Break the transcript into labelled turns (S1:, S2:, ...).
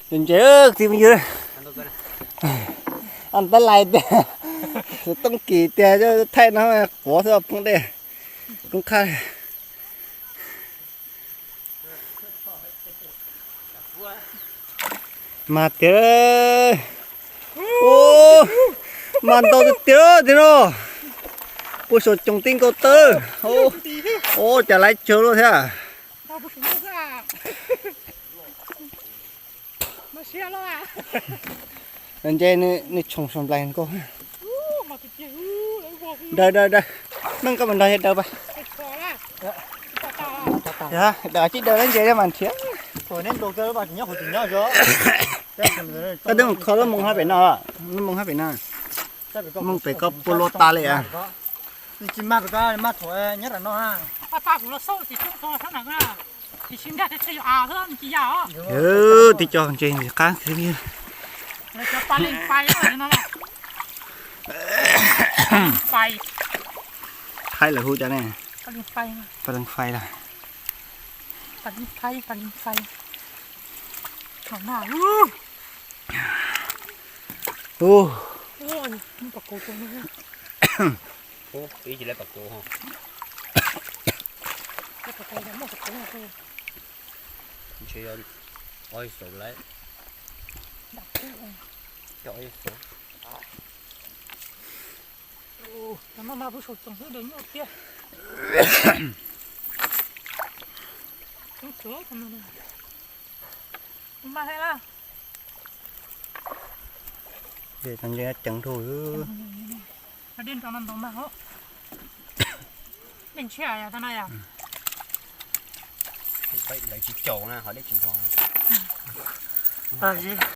S1: đừng chết thì bây giờ ăn tới lại để tông kỳ tiền cho thay nó bỏ ra cũng đây cũng khai mà tía ô mà tao tía thế nó bữa sốt trồng tinh câu tơ ô trả lại chờ luôn thế à anh chơi này trồng trồng lại cô đây đây đây nâng cái bàn đây đâu vậy dạ đã chỉ đợi anh chơi cho mình chứ
S2: hồi nên đồ cơ bạn nhớ hồi tình nhớ rồi
S1: cái đó khó lắm mong hai bảy nào nó mong hai bảy nào mong phải có polo taเลยà
S2: chỉ mà phải có mà thôi nhất là nó ha
S3: ta cũng là sâu thì không thôi thế nào nữa thì xin ra thì chơi hơn chỉ giàu
S1: thì cho chơi cá thế kia
S3: cho ta lên phai rồi nó là phai
S1: hay là hú cho này
S3: ta lên phai
S1: ta đang phai là
S3: ta lên phai thằng nào
S1: ô
S3: ôi nó bạc cổ tôi nữa
S4: ô ý chỉ lấy bạc cổ không
S3: cái bạc cổ nó bạc cổ này thôi
S4: chơi oi sổ lấy
S3: đặt cái
S4: cho oi sổ
S3: nó mà bữa sốt trồng đến nhau kia không chữa không nữa không mà hay là
S1: để thằng kia chẳng thôi
S3: nó điên trong năm đó mà hả điên trẻ à thằng này à
S4: vậy lấy chỉ chậu nè họ lấy chỉ thòng
S1: à gì